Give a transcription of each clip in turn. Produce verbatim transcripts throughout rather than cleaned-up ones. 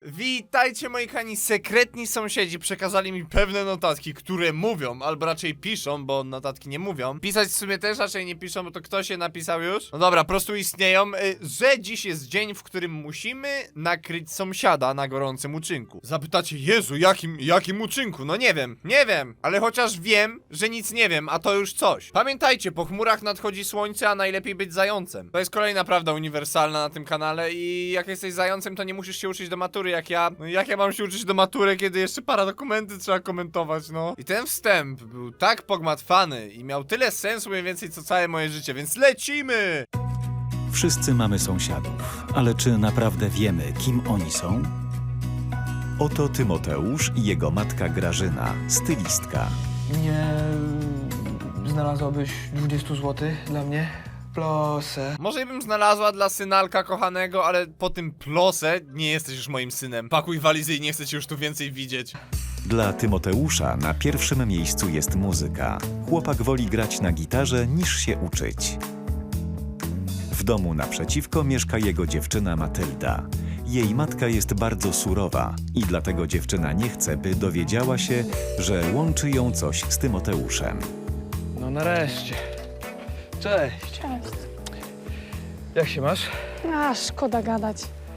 Witajcie moi kochani, sekretni sąsiedzi przekazali mi pewne notatki, które mówią, albo raczej piszą, bo notatki nie mówią. Pisać w sumie też raczej nie piszą, bo to ktoś je napisał już. No dobra, po prostu istnieją, y, że dziś jest dzień, w którym musimy nakryć sąsiada na gorącym uczynku. Zapytacie, Jezu, jakim, jakim uczynku? No nie wiem, nie wiem, ale chociaż wiem, że nic nie wiem, a to już coś. Pamiętajcie, po chmurach nadchodzi słońce, a najlepiej być zającem. To jest kolejna prawda uniwersalna na tym kanale i jak jesteś zającem, to nie musisz się uczyć do matury jak ja. No jak ja mam się uczyć do matury, kiedy jeszcze para dokumenty trzeba komentować, no. I ten wstęp był tak pogmatwany i miał tyle sensu mniej więcej co całe moje życie, więc lecimy! Wszyscy mamy sąsiadów, ale czy naprawdę wiemy, kim oni są? Oto Tymoteusz i jego matka Grażyna, stylistka. Nie znalazłabyś dwudziestu złotych dla mnie? Plosę. Może bym znalazła dla synalka kochanego, ale po tym plosę nie jesteś już moim synem. Pakuj walizy i nie chcę cię już tu więcej widzieć. Dla Tymoteusza na pierwszym miejscu jest muzyka. Chłopak woli grać na gitarze niż się uczyć. W domu naprzeciwko mieszka jego dziewczyna Matylda. Jej matka jest bardzo surowa i dlatego dziewczyna nie chce, by dowiedziała się, że łączy ją coś z Tymoteuszem. No nareszcie. Cześć. Cześć. Jak się masz? A, szkoda gadać.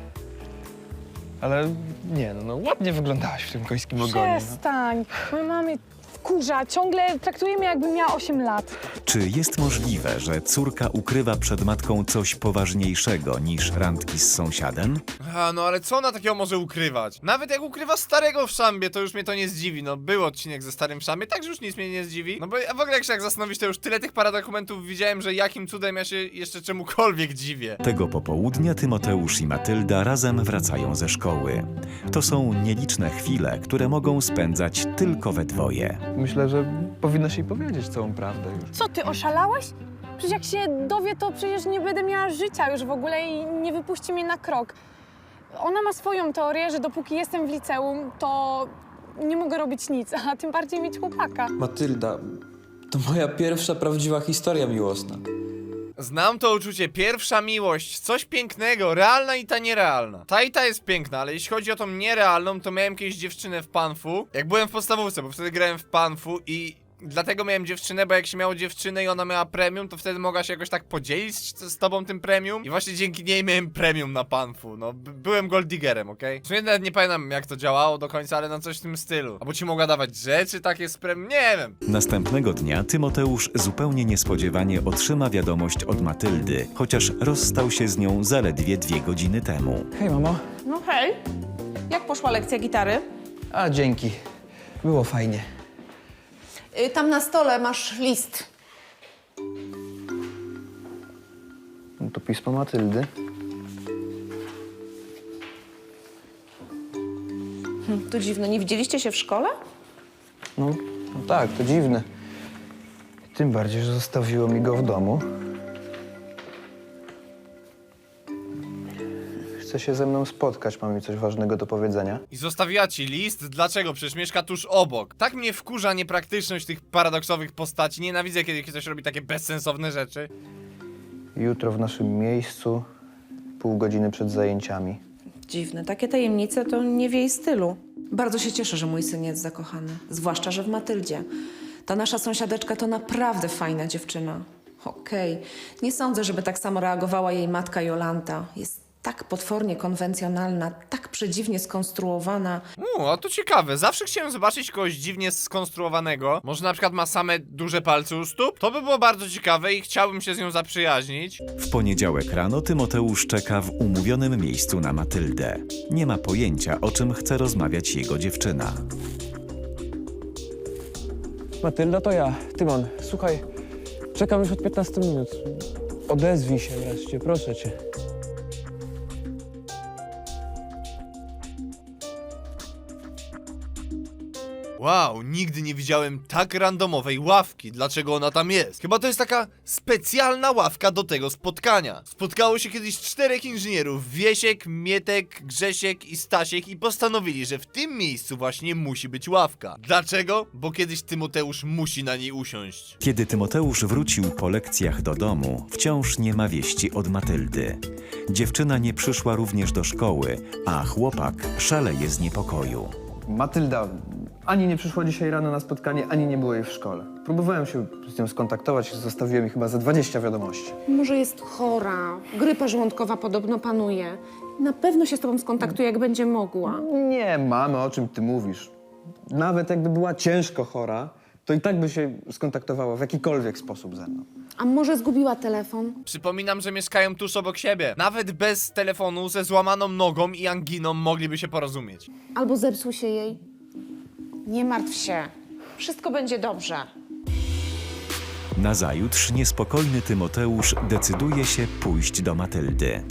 Ale nie, no, no ładnie wyglądałaś w tym końskim ogonie. No. Przestań. Moja mama mnie wkurza. Ciągle traktuje mnie, jakbym miała osiem lat. Czy jest możliwe, że córka ukrywa przed matką coś poważniejszego niż randki z sąsiadem? A, no ale co ona takiego może ukrywać? Nawet jak ukrywa starego w szambie, to już mnie to nie zdziwi. No, był odcinek ze starym w szambie, także już nic mnie nie zdziwi. No bo ja w ogóle jak się jak zastanowić, to już tyle tych paradokumentów widziałem, że jakim cudem ja się jeszcze czemukolwiek dziwię. Tego popołudnia Tymoteusz i Matylda razem wracają ze szkoły. To są nieliczne chwile, które mogą spędzać tylko we dwoje. Myślę, że powinnaś jej powiedzieć całą prawdę już. Co, ty oszalałeś? Przecież jak się dowie, to przecież nie będę miała życia już w ogóle i nie wypuści mnie na krok. Ona ma swoją teorię, że dopóki jestem w liceum, to nie mogę robić nic, a tym bardziej mieć chłopaka. Matylda, to moja pierwsza prawdziwa historia miłosna. Znam to uczucie, pierwsza miłość, coś pięknego, realna i ta nierealna. Ta i ta jest piękna, ale jeśli chodzi o tą nierealną, to miałem kiedyś dziewczynę w Panfu, jak byłem w podstawówce, bo wtedy grałem w Panfu i dlatego miałem dziewczynę, bo jak się miało dziewczynę i ona miała premium, to wtedy mogła się jakoś tak podzielić z, z tobą tym premium i właśnie dzięki niej miałem premium na Panfu, no b- byłem golddiggerem, okej? Okay? W sumie nawet nie pamiętam jak to działało do końca, ale na coś w tym stylu. Albo ci mogła dawać rzeczy takie z premium, nie wiem. Następnego dnia Tymoteusz zupełnie niespodziewanie otrzyma wiadomość od Matyldy, chociaż rozstał się z nią zaledwie dwie godziny temu. Hej, mamo. No hej, jak poszła lekcja gitary? A, dzięki. Było fajnie. Y, tam na stole masz list. No to pismo Matyldy. Hm, to dziwne, nie widzieliście się w szkole? No, no tak, to dziwne. Tym bardziej, że zostawiło mi go w domu. Chce się ze mną spotkać, mam mi coś ważnego do powiedzenia. I zostawiła ci list? Dlaczego? Przecież mieszka tuż obok. Tak mnie wkurza niepraktyczność tych paradoksowych postaci. Nienawidzę, kiedy ktoś robi takie bezsensowne rzeczy. Jutro w naszym miejscu, pół godziny przed zajęciami. Dziwne, takie tajemnice to nie w jej stylu. Bardzo się cieszę, że mój syn jest zakochany, zwłaszcza, że w Matyldzie. Ta nasza sąsiadeczka to naprawdę fajna dziewczyna. Okej, nie sądzę, żeby tak samo reagowała jej matka Jolanta. Jest tak potwornie konwencjonalna, tak przedziwnie skonstruowana. Uuu, a to ciekawe. Zawsze chciałem zobaczyć kogoś dziwnie skonstruowanego. Może na przykład ma same duże palce u stóp? To by było bardzo ciekawe i chciałbym się z nią zaprzyjaźnić. W poniedziałek rano Tymoteusz czeka w umówionym miejscu na Matyldę. Nie ma pojęcia, o czym chce rozmawiać jego dziewczyna. Matylda, to ja, Tymon. Słuchaj, czekam już od piętnastu minut. Odezwij się wreszcie, proszę cię. Wow, nigdy nie widziałem tak randomowej ławki. Dlaczego ona tam jest? Chyba to jest taka specjalna ławka do tego spotkania. Spotkało się kiedyś czterech inżynierów: Wiesiek, Mietek, Grzesiek i Stasiek, i postanowili, że w tym miejscu właśnie musi być ławka. Dlaczego? Bo kiedyś Tymoteusz musi na niej usiąść. Kiedy Tymoteusz wrócił po lekcjach do domu, wciąż nie ma wieści od Matyldy. Dziewczyna nie przyszła również do szkoły, a chłopak szaleje z niepokoju. Matylda ani nie przyszła dzisiaj rano na spotkanie, ani nie było jej w szkole. Próbowałem się z nią skontaktować, zostawiłem jej chyba ze dwadzieścia wiadomości. Może jest chora, grypa żołądkowa podobno panuje. Na pewno się z tobą skontaktuje, jak będzie mogła. Nie, mamy, o czym ty mówisz. Nawet jakby była ciężko chora, to i tak by się skontaktowała w jakikolwiek sposób ze mną. A może zgubiła telefon? Przypominam, że mieszkają tuż obok siebie. Nawet bez telefonu, ze złamaną nogą i anginą mogliby się porozumieć. Albo zepsuł się jej? Nie martw się. Wszystko będzie dobrze. Nazajutrz niespokojny Tymoteusz decyduje się pójść do Matyldy.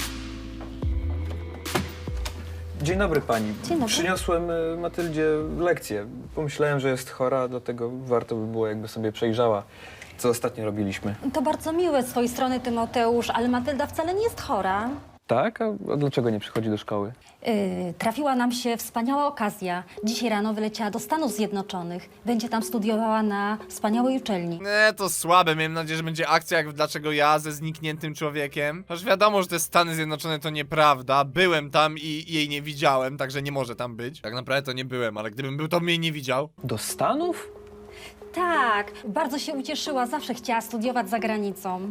Dzień dobry pani. Dzień dobry. Przyniosłem y, Matyldzie lekcję. Pomyślałem, że jest chora, dlatego warto by było, jakby sobie przejrzała, co ostatnio robiliśmy. To bardzo miłe z twojej strony, Tymoteusz, ale Matylda wcale nie jest chora. Tak? A, a dlaczego nie przychodzi do szkoły? Yy, trafiła nam się wspaniała okazja. Dzisiaj rano wyleciała do Stanów Zjednoczonych. Będzie tam studiowała na wspaniałej uczelni. Nie, to słabe. Miałem nadzieję, że będzie akcja jak w Dlaczego ja ze znikniętym człowiekiem. Choć wiadomo, że te Stany Zjednoczone to nieprawda. Byłem tam i jej nie widziałem, także nie może tam być. Tak naprawdę to nie byłem, ale gdybym był, to mnie nie widział. Do Stanów? Tak, bardzo się ucieszyła. Zawsze chciała studiować za granicą.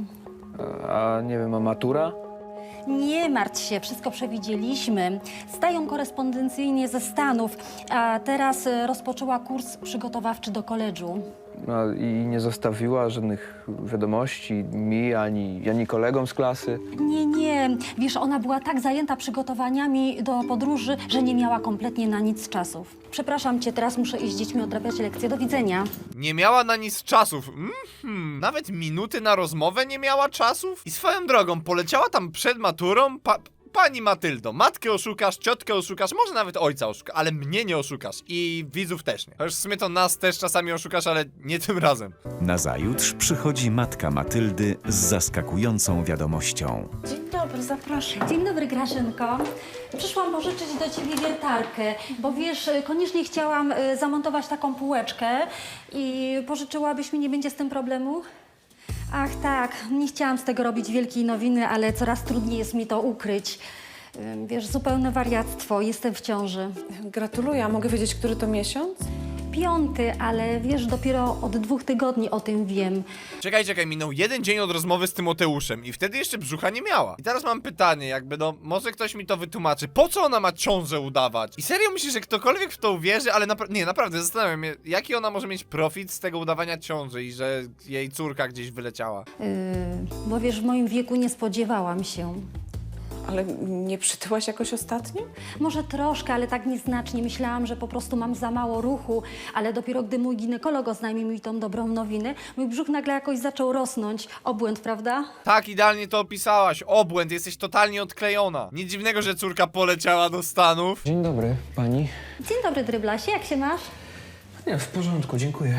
A, a nie wiem, a matura? Nie martw się, wszystko przewidzieliśmy. Zdają korespondencyjnie ze Stanów, a teraz y, rozpoczęła kurs przygotowawczy do koledżu. No, i nie zostawiła żadnych wiadomości mi, ani, ani kolegom z klasy. Nie, nie. Wiesz, ona była tak zajęta przygotowaniami do podróży, że nie miała kompletnie na nic czasów. Przepraszam cię, teraz muszę iść z dziećmi odrabiać lekcje. Do widzenia. Nie miała na nic czasów. Mhm. Nawet minuty na rozmowę nie miała czasów? I swoją drogą, poleciała tam przed maturą? Pa Pani Matyldo, matkę oszukasz, ciotkę oszukasz, może nawet ojca oszukasz, ale mnie nie oszukasz i widzów też nie. Chociaż w sumie to nas też czasami oszukasz, ale nie tym razem. Nazajutrz przychodzi matka Matyldy z zaskakującą wiadomością. Dzień dobry, zapraszam. Dzień dobry, Graszynko. Przyszłam pożyczyć do ciebie wiertarkę, bo wiesz, koniecznie chciałam y, zamontować taką półeczkę i pożyczyłabyś mi, nie będzie z tym problemu? Ach tak, nie chciałam z tego robić wielkiej nowiny, ale coraz trudniej jest mi to ukryć. Ym, Wiesz, zupełne wariactwo, jestem w ciąży. Gratuluję, a mogę wiedzieć, który to miesiąc? Piąty, ale wiesz, dopiero od dwóch tygodni o tym wiem. Czekaj, czekaj, minął jeden dzień od rozmowy z Tymoteuszem i wtedy jeszcze brzucha nie miała. I teraz mam pytanie, jakby no, może ktoś mi to wytłumaczy, po co ona ma ciążę udawać? I serio myślisz, że ktokolwiek w to uwierzy, ale napra nie, naprawdę, zastanawiam się, jaki ona może mieć profit z tego udawania ciąży i że jej córka gdzieś wyleciała. Yy, bo wiesz, w moim wieku nie spodziewałam się. Ale nie przytyłaś jakoś ostatnio? Może troszkę, ale tak nieznacznie. Myślałam, że po prostu mam za mało ruchu, ale dopiero gdy mój ginekolog oznajmił mi tą dobrą nowinę, mój brzuch nagle jakoś zaczął rosnąć. Obłęd, prawda? Tak, idealnie to opisałaś. Obłęd, jesteś totalnie odklejona. Nic dziwnego, że córka poleciała do Stanów. Dzień dobry, pani. Dzień dobry, Dryblasie, jak się masz? Nie, w porządku, dziękuję.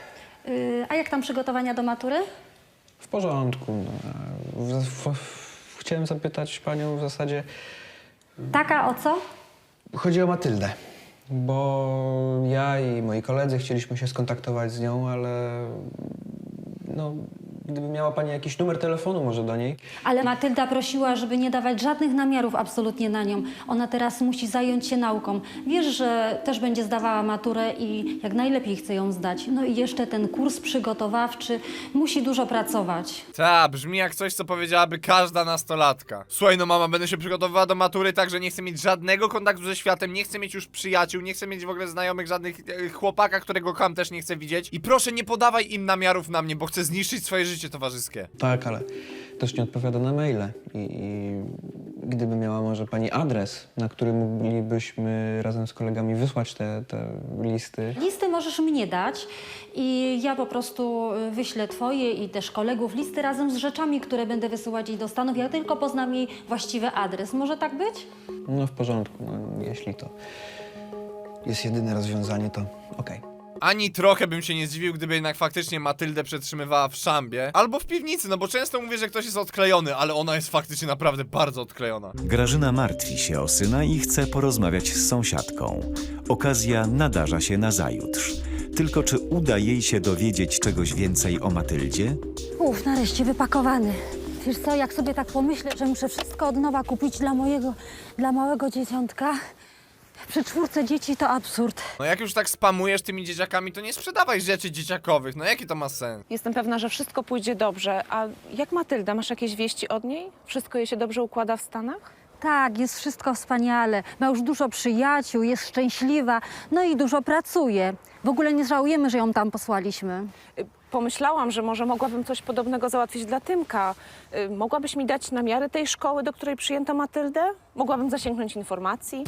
Yy, a jak tam przygotowania do matury? W porządku. No, w, w, w, chciałem zapytać panią w zasadzie... Taka o co? Chodzi o Matyldę, bo ja i moi koledzy chcieliśmy się skontaktować z nią, ale no, gdyby miała pani jakiś numer telefonu może do niej. Ale Matylda prosiła, żeby nie dawać żadnych namiarów absolutnie na nią. Ona teraz musi zająć się nauką. Wiesz, że też będzie zdawała maturę i jak najlepiej chce ją zdać. No i jeszcze ten kurs przygotowawczy. Musi dużo pracować. Ta, brzmi jak coś, co powiedziałaby każda nastolatka. Słuchaj, no mama, będę się przygotowywała do matury, tak, że nie chcę mieć żadnego kontaktu ze światem, nie chcę mieć już przyjaciół, nie chcę mieć w ogóle znajomych, żadnych e, chłopaka, którego kocham, też nie chcę widzieć. I proszę, nie podawaj im namiarów na mnie, bo chcę zniszczyć swoje życie towarzyskie. Tak, ale też nie odpowiada na maile. I, i gdyby miała może pani adres, na który moglibyśmy razem z kolegami wysłać te, te listy. Listy możesz mnie dać i ja po prostu y, wyślę twoje i też kolegów listy razem z rzeczami, które będę wysyłać jej do Stanów. Ja tylko poznam jej właściwy adres. Może tak być? No w porządku, no, jeśli to jest jedyne rozwiązanie, to okej. Ani trochę bym się nie zdziwił, gdyby jednak faktycznie Matyldę przetrzymywała w szambie. Albo w piwnicy, no bo często mówię, że ktoś jest odklejony, ale ona jest faktycznie naprawdę bardzo odklejona. Grażyna martwi się o syna i chce porozmawiać z sąsiadką. Okazja nadarza się nazajutrz. Tylko czy uda jej się dowiedzieć czegoś więcej o Matyldzie? Uf, nareszcie wypakowany. Wiesz co, jak sobie tak pomyślę, że muszę wszystko od nowa kupić dla mojego, dla małego dzieciątka, przy czwórce dzieci to absurd. No jak już tak spamujesz tymi dzieciakami, to nie sprzedawaj rzeczy dzieciakowych, no jaki to ma sens? Jestem pewna, że wszystko pójdzie dobrze. A jak Matylda? Masz jakieś wieści od niej? Wszystko jej się dobrze układa w Stanach? Tak, jest wszystko wspaniale. Ma już dużo przyjaciół, jest szczęśliwa, no i dużo pracuje. W ogóle nie żałujemy, że ją tam posłaliśmy. Y, Pomyślałam, że może mogłabym coś podobnego załatwić dla Tymka. Y, Mogłabyś mi dać namiary tej szkoły, do której przyjęto Matyldę? Mogłabym zasięgnąć informacji?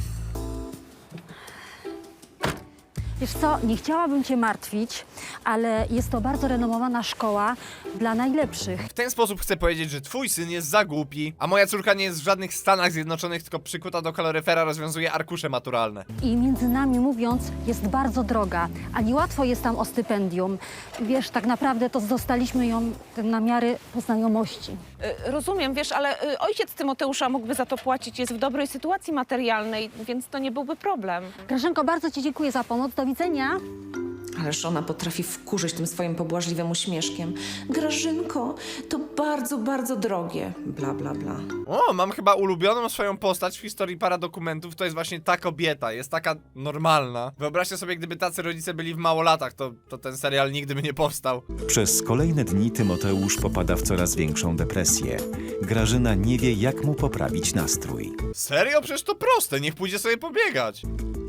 Wiesz co, nie chciałabym cię martwić, ale jest to bardzo renomowana szkoła dla najlepszych. W ten sposób chcę powiedzieć, że twój syn jest za głupi, a moja córka nie jest w żadnych Stanach Zjednoczonych, tylko przykuta do kaloryfera rozwiązuje arkusze maturalne. I między nami mówiąc, jest bardzo droga, a niełatwo jest tam o stypendium. Wiesz, tak naprawdę to dostaliśmy ją na miary po znajomości. Y, Rozumiem, wiesz, ale y, ojciec Tymoteusza mógłby za to płacić. Jest w dobrej sytuacji materialnej, więc to nie byłby problem. Grażynko, bardzo ci dziękuję za pomoc. Do widzenia. Ależ ona potrafi wkurzyć tym swoim pobłażliwym uśmieszkiem. Grażynko, to bardzo, bardzo drogie. Bla, bla, bla. O, mam chyba ulubioną swoją postać w historii paradokumentów, to jest właśnie ta kobieta, jest taka normalna. Wyobraźcie sobie, gdyby tacy rodzice byli w małolatach, to, to ten serial nigdy by nie powstał. Przez kolejne dni Tymoteusz popada w coraz większą depresję. Grażyna nie wie, jak mu poprawić nastrój. Serio? Przecież to proste, niech pójdzie sobie pobiegać.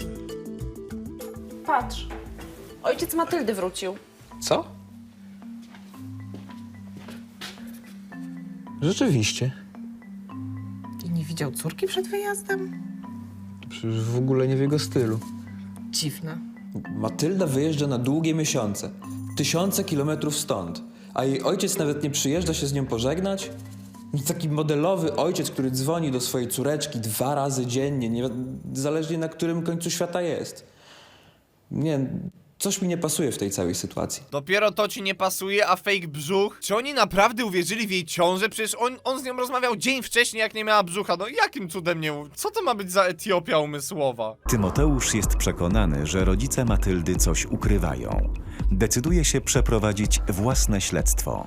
Patrz, ojciec Matyldy wrócił. Co? Rzeczywiście. I nie widział córki przed wyjazdem? Przecież w ogóle nie w jego stylu. Dziwne. Matylda wyjeżdża na długie miesiące. Tysiące kilometrów stąd. A jej ojciec nawet nie przyjeżdża się z nią pożegnać? Taki modelowy ojciec, który dzwoni do swojej córeczki dwa razy dziennie, nie, zależnie na którym końcu świata jest. Nie, coś mi nie pasuje w tej całej sytuacji. Dopiero to ci nie pasuje, a fake brzuch? Czy oni naprawdę uwierzyli w jej ciążę? Przecież on, on z nią rozmawiał dzień wcześniej, jak nie miała brzucha. No jakim cudem nie... Co to ma być za Etiopia umysłowa? Tymoteusz jest przekonany, że rodzice Matyldy coś ukrywają. Decyduje się przeprowadzić własne śledztwo.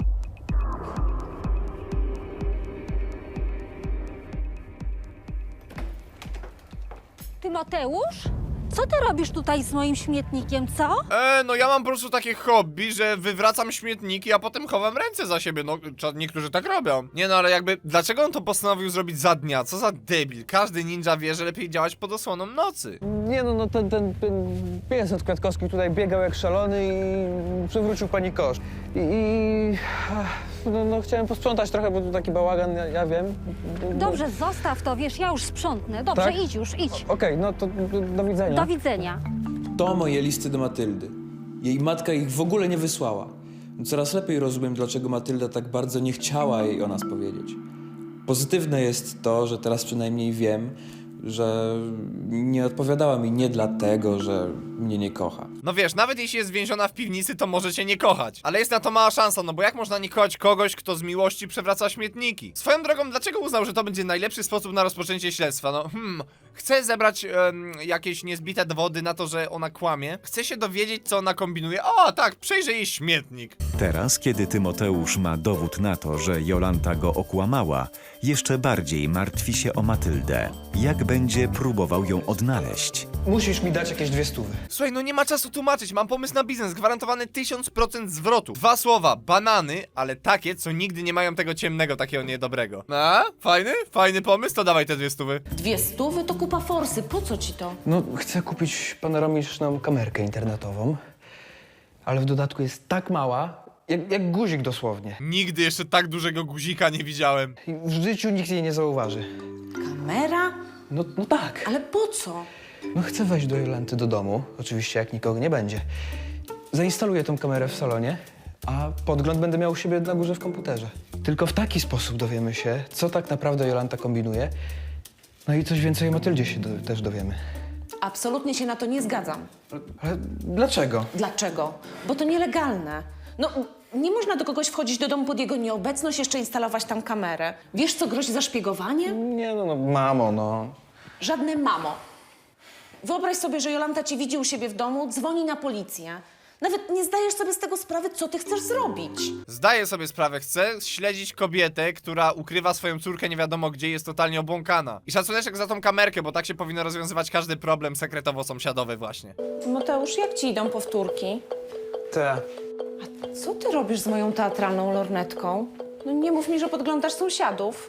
Tymoteusz? Co ty robisz tutaj z moim śmietnikiem, co? E, no ja mam po prostu takie hobby, że wywracam śmietniki, a potem chowam ręce za siebie. No, cza- niektórzy tak robią. Nie no, ale jakby, dlaczego on to postanowił zrobić za dnia? Co za debil. Każdy ninja wie, że lepiej działać pod osłoną nocy. Nie no, no ten, ten, ten pies od Kwiatkowski tutaj biegał jak szalony i przywrócił pani kosz. I, i ach, no, no chciałem posprzątać trochę, bo tu taki bałagan, ja, ja wiem. Dobrze, zostaw to, wiesz, ja już sprzątnę. Dobrze, Tak? idź już, idź. Okej, no to do, do widzenia. Do widzenia. To moje listy do Matyldy. Jej matka ich w ogóle nie wysłała. Coraz lepiej rozumiem, dlaczego Matylda tak bardzo nie chciała jej o nas powiedzieć. Pozytywne jest to, że teraz przynajmniej wiem, że nie odpowiadała mi nie dlatego, że mnie nie kocha. No wiesz, nawet jeśli jest więziona w piwnicy, to może cię nie kochać. Ale jest na to mała szansa, no bo jak można nie kochać kogoś, kto z miłości przewraca śmietniki? Swoją drogą, dlaczego uznał, że to będzie najlepszy sposób na rozpoczęcie śledztwa? No hmm, chcę zebrać em, jakieś niezbite dowody na to, że ona kłamie. Chcę się dowiedzieć, co ona kombinuje. O, tak, przejrzę jej śmietnik. Teraz, kiedy Tymoteusz ma dowód na to, że Jolanta go okłamała, jeszcze bardziej martwi się o Matyldę. Jak będzie próbował ją odnaleźć? Musisz mi dać jakieś dwie stówy. Słuchaj, no nie ma czasu tłumaczyć, mam pomysł na biznes, gwarantowany tysiąc procent zwrotu. Dwa słowa, banany, ale takie, co nigdy nie mają tego ciemnego, takiego niedobrego. A? Fajny? Fajny pomysł? To dawaj te dwie stówy. Dwie stówy to kupa forsy. Po co ci to? No, chcę kupić panoramiczną kamerkę internetową, ale w dodatku jest tak mała, jak, jak guzik dosłownie. Nigdy jeszcze tak dużego guzika nie widziałem. I w życiu nikt jej nie zauważy. Kamera? No, no tak. Ale po co? No chcę wejść do Jolanty do domu, oczywiście jak nikogo nie będzie. Zainstaluję tą kamerę w salonie, a podgląd będę miał u siebie na górze w komputerze. Tylko w taki sposób dowiemy się, co tak naprawdę Jolanta kombinuje. No i coś więcej o Matyldzie się do, też dowiemy. Absolutnie się na to nie zgadzam. Ale dlaczego? Dlaczego? Bo to nielegalne. No, nie można do kogoś wchodzić do domu pod jego nieobecność, jeszcze instalować tam kamerę. Wiesz, co grozi za szpiegowanie? Nie no, no mamo, no. Żadne mamo. Wyobraź sobie, że Jolanta cię widzi u siebie w domu, dzwoni na policję. Nawet nie zdajesz sobie z tego sprawy, co ty chcesz zrobić. Zdaję sobie sprawę, chcę śledzić kobietę, która ukrywa swoją córkę nie wiadomo gdzie, jest totalnie obłąkana. I szacuneczek za tą kamerkę, bo tak się powinno rozwiązywać każdy problem sekretowo-sąsiadowy właśnie. Mateusz, jak ci idą powtórki? Te. Co ty robisz z moją teatralną lornetką? No nie mów mi, że podglądasz sąsiadów.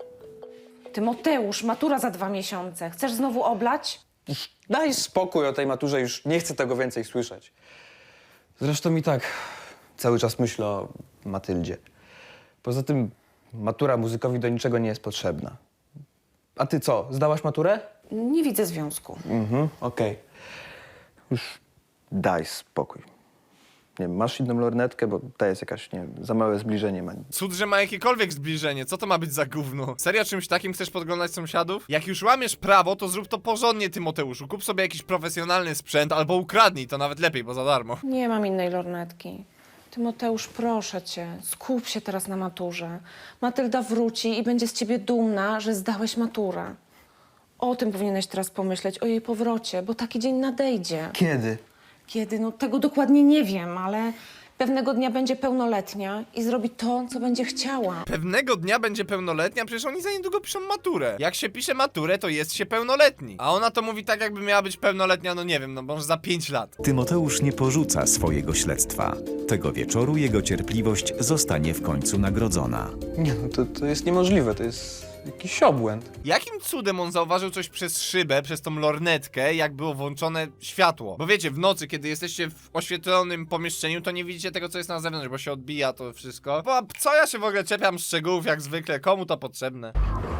Tymoteusz, matura za dwa miesiące. Chcesz znowu oblać? Daj spokój o tej maturze, już nie chcę tego więcej słyszeć. Zresztą i tak cały czas myślę o Matyldzie. Poza tym matura muzykowi do niczego nie jest potrzebna. A ty co, zdałaś maturę? Nie widzę związku. Mhm, okej. Już daj spokój. Nie wiem, masz inną lornetkę, bo ta jest jakaś, nie wiem, za małe zbliżenie ma. Cud, że ma jakiekolwiek zbliżenie, co to ma być za gówno? Serio czymś takim chcesz podglądać sąsiadów? Jak już łamiesz prawo, to zrób to porządnie, Tymoteuszu. Kup sobie jakiś profesjonalny sprzęt albo ukradnij, to nawet lepiej, bo za darmo. Nie mam innej lornetki. Tymoteusz, proszę cię, skup się teraz na maturze. Matylda wróci i będzie z ciebie dumna, że zdałeś maturę. O tym powinieneś teraz pomyśleć, o jej powrocie, bo taki dzień nadejdzie. Kiedy? Kiedy? No tego dokładnie nie wiem, ale pewnego dnia będzie pełnoletnia i zrobi to, co będzie chciała. Pewnego dnia będzie pełnoletnia, przecież oni za niedługo piszą maturę. Jak się pisze maturę, to jest się pełnoletni. A ona to mówi tak, jakby miała być pełnoletnia, no nie wiem, no może za pięć lat. Tymoteusz nie porzuca swojego śledztwa. Tego wieczoru jego cierpliwość zostanie w końcu nagrodzona. Nie no, to, to jest niemożliwe, to jest jakiś obłęd. Jakim cudem on zauważył coś przez szybę, przez tą lornetkę, jak było włączone światło? Bo wiecie, w nocy, kiedy jesteście w oświetlonym pomieszczeniu, to nie widzicie tego, co jest na zewnątrz, bo się odbija to wszystko. Bo co ja się w ogóle czepiam szczegółów, jak zwykle, komu to potrzebne?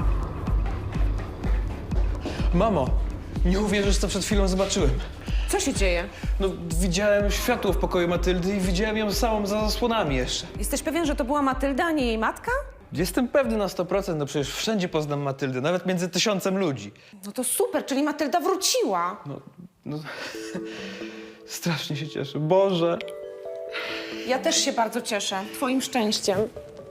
Mamo, nie uwierzysz, co przed chwilą zobaczyłem. Co się dzieje? No, widziałem światło w pokoju Matyldy i widziałem ją samą za zasłonami jeszcze. Jesteś pewien, że to była Matylda, a nie jej matka? Jestem pewny na sto procent, no przecież wszędzie poznam Matyldę, nawet między tysiącem ludzi. No to super, czyli Matylda wróciła. No, no, strasznie się cieszę, Boże. Ja też się bardzo cieszę, twoim szczęściem.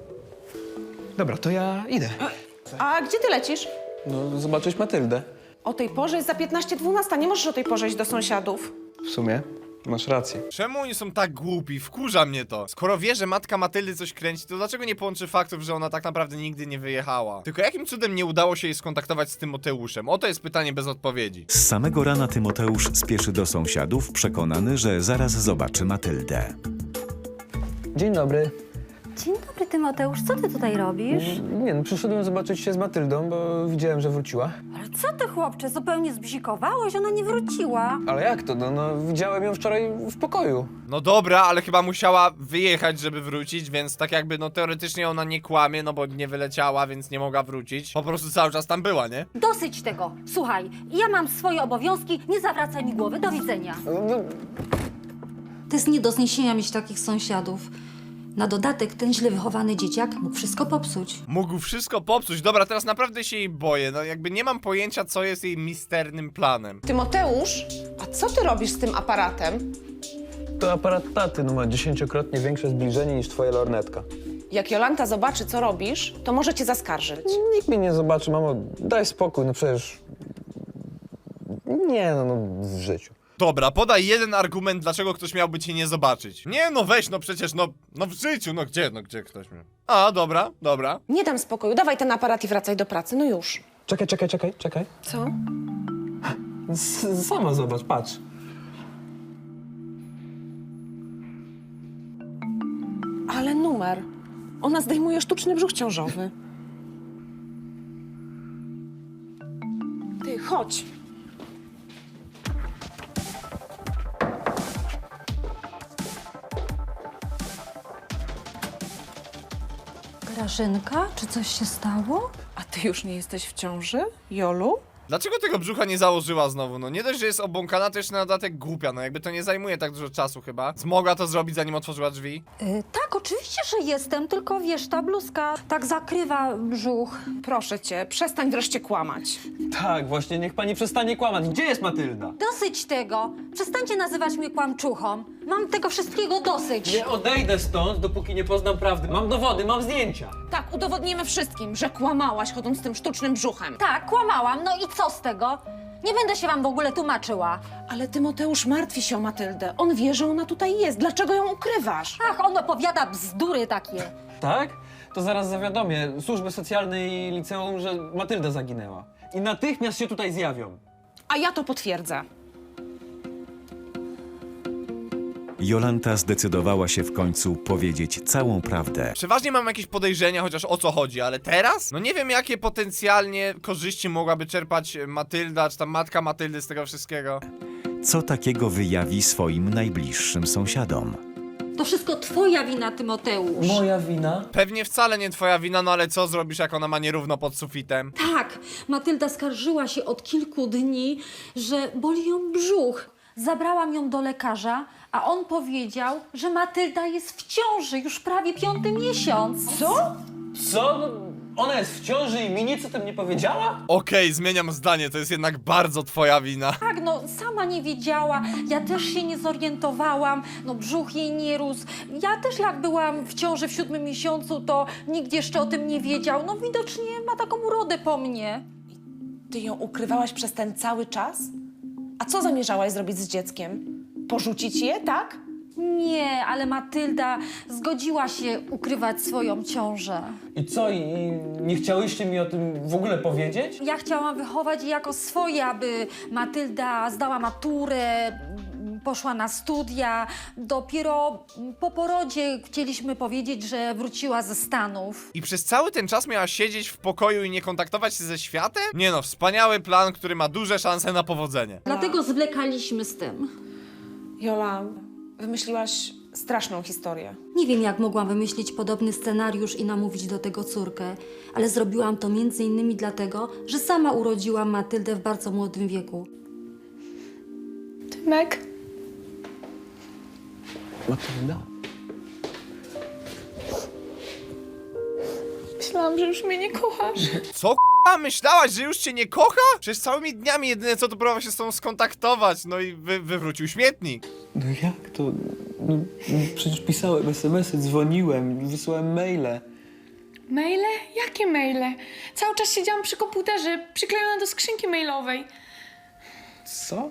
Dobra, to ja idę. A gdzie ty lecisz? No, zobaczyć Matyldę. O tej porze jest za piętnaście dwanaście, nie możesz o tej porze iść do sąsiadów. W sumie, masz rację. Czemu oni są tak głupi? Wkurza mnie to. Skoro wie, że matka Matyldy coś kręci, to dlaczego nie połączy faktów, że ona tak naprawdę nigdy nie wyjechała? Tylko jakim cudem nie udało się jej skontaktować z Tymoteuszem? Oto jest pytanie bez odpowiedzi. Z samego rana Tymoteusz spieszy do sąsiadów, przekonany, że zaraz zobaczy Matyldę. Dzień dobry. Dzień dobry, Tymoteusz. Co ty tutaj robisz? Nie no, przyszedłem zobaczyć się z Matyldą, bo widziałem, że wróciła. Ale co ty, chłopcze, zupełnie zbzikowałeś? Ona nie wróciła. Ale jak to? No, no widziałem ją wczoraj w pokoju. No dobra, ale chyba musiała wyjechać, żeby wrócić, więc tak jakby, no teoretycznie ona nie kłamie, no bo nie wyleciała, więc nie mogła wrócić. Po prostu cały czas tam była, nie? Dosyć tego. Słuchaj, ja mam swoje obowiązki, nie zawracaj mi głowy. Do widzenia. No, no, To jest nie do zniesienia mieć takich sąsiadów. Na dodatek ten źle wychowany dzieciak mógł wszystko popsuć. Mógł wszystko popsuć. Dobra, teraz naprawdę się jej boję. No jakby nie mam pojęcia, co jest jej misternym planem. Tymoteusz, a co ty robisz z tym aparatem? to aparat taty, no ma dziesięciokrotnie większe zbliżenie niż twoja lornetka. Jak Jolanta zobaczy, co robisz, to może cię zaskarżyć. Nikt mnie nie zobaczy, mamo, daj spokój, no przecież... Nie, no, no w życiu. Dobra, podaj jeden argument, dlaczego ktoś miałby cię nie zobaczyć. Nie, no weź, no przecież, no, no w życiu, no gdzie, no gdzie ktoś mnie... A, dobra, dobra. Nie dam spokoju, dawaj ten aparat i wracaj do pracy, no już. Czekaj, czekaj, czekaj, czekaj. Co? S sama zobacz, patrz. Ale numer. Ona zdejmuje sztuczny brzuch ciążowy. Ty, chodź. Grażynka, czy coś się stało? A ty już nie jesteś w ciąży, Jolu? Dlaczego tego brzucha nie założyła znowu? No nie dość, że jest obłąkana, to jeszcze na dodatek głupia. No jakby to nie zajmuje tak dużo czasu chyba. Mogła to zrobić, zanim otworzyła drzwi? Y, tak, oczywiście, że jestem, tylko wiesz, ta bluzka tak zakrywa brzuch. Proszę cię, przestań wreszcie kłamać. Tak, właśnie, niech pani przestanie kłamać. Gdzie jest Matylda? Dosyć tego. Przestańcie nazywać mnie kłamczuchą. Mam tego wszystkiego dosyć. Nie odejdę stąd, dopóki nie poznam prawdy. Mam dowody, mam zdjęcia. Tak, udowodnimy wszystkim, że kłamałaś chodząc z tym sztucznym brzuchem. Tak, kłamałam, no i co z tego? Nie będę się wam w ogóle tłumaczyła. Ale Tymoteusz martwi się o Matyldę. On wie, że ona tutaj jest. Dlaczego ją ukrywasz? Ach, on opowiada bzdury takie. Tak? To zaraz zawiadomię służby socjalne i liceum, że Matylda zaginęła. I natychmiast się tutaj zjawią. A ja to potwierdzę. Jolanta zdecydowała się w końcu powiedzieć całą prawdę. Przeważnie mam jakieś podejrzenia, chociaż o co chodzi, ale teraz? No nie wiem, jakie potencjalnie korzyści mogłaby czerpać Matylda, czy tam matka Matyldy z tego wszystkiego. Co takiego wyjawi swoim najbliższym sąsiadom? To wszystko twoja wina, Tymoteusz. Moja wina? Pewnie wcale nie twoja wina, no ale co zrobisz, jak ona ma nierówno pod sufitem? Tak, Matylda skarżyła się od kilku dni, że boli ją brzuch. Zabrałam ją do lekarza, a on powiedział, że Matylda jest w ciąży już prawie piąty miesiąc. Co? Co? No, ona jest w ciąży i mi nic o tym nie powiedziała? Okej, zmieniam zdanie, to jest jednak bardzo twoja wina. Tak, no sama nie wiedziała, ja też się nie zorientowałam, no brzuch jej nie rósł. Ja też jak byłam w ciąży w siódmym miesiącu, to nikt jeszcze o tym nie wiedział. No widocznie ma taką urodę po mnie. Ty ją ukrywałaś przez ten cały czas? A co zamierzałaś zrobić z dzieckiem? Porzucić je, tak? Nie, ale Matylda zgodziła się ukrywać swoją ciążę. I co? I, i nie chciałyście mi o tym w ogóle powiedzieć? Ja chciałam wychować je jako swoje, aby Matylda zdała maturę, poszła na studia. Dopiero po porodzie chcieliśmy powiedzieć, że wróciła ze Stanów. I przez cały ten czas miała siedzieć w pokoju i nie kontaktować się ze światem? Nie no, wspaniały plan, który ma duże szanse na powodzenie. Dlatego zwlekaliśmy z tym. Jola, wymyśliłaś straszną historię. Nie wiem, jak mogłam wymyślić podobny scenariusz i namówić do tego córkę, ale zrobiłam to między innymi dlatego, że sama urodziłam Matyldę w bardzo młodym wieku. Tymek? Matylda? Myślałam, że już mnie nie kochasz. Co k***a? Myślałaś, że już cię nie kocha? Przecież całymi dniami jedyne co to próbował się z tobą skontaktować, no i wy, wywrócił śmietnik. No jak to? No, no przecież pisałem es em esy, dzwoniłem, wysłałem maile. Maile? Jakie maile? Cały czas siedziałam przy komputerze, przyklejona do skrzynki mailowej. Co?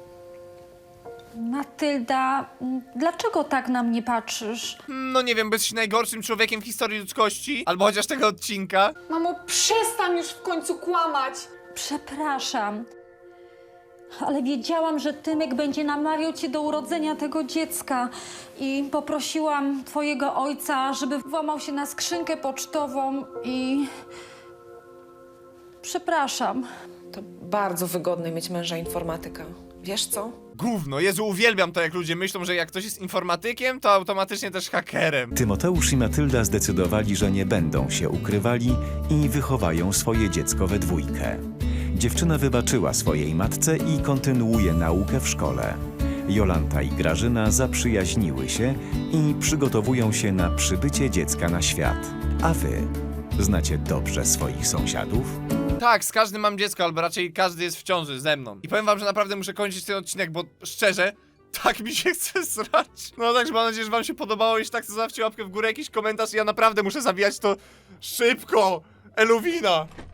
Matylda, dlaczego tak na mnie patrzysz? No nie wiem, byś najgorszym człowiekiem w historii ludzkości, albo chociaż tego odcinka. Mamo, przestań już w końcu kłamać. Przepraszam, ale wiedziałam, że Tymek będzie namawiał cię do urodzenia tego dziecka i poprosiłam twojego ojca, żeby włamał się na skrzynkę pocztową i... Przepraszam. To bardzo wygodne mieć męża informatyka. Wiesz co? Gówno, Jezu, uwielbiam to, jak ludzie myślą, że jak ktoś jest informatykiem, to automatycznie też hakerem. Tymoteusz i Matylda zdecydowali, że nie będą się ukrywali i wychowają swoje dziecko we dwójkę. Dziewczyna wybaczyła swojej matce i kontynuuje naukę w szkole. Jolanta i Grażyna zaprzyjaźniły się i przygotowują się na przybycie dziecka na świat. A wy znacie dobrze swoich sąsiadów? Tak, z każdym mam dziecko, albo raczej każdy jest w ciąży ze mną. I powiem wam, że naprawdę muszę kończyć ten odcinek, bo szczerze, tak mi się chce srać. No także mam nadzieję, że wam się podobało. Jeśli tak, to zostawcie łapkę w górę, jakiś komentarz i ja naprawdę muszę zawijać to szybko. Eluwina!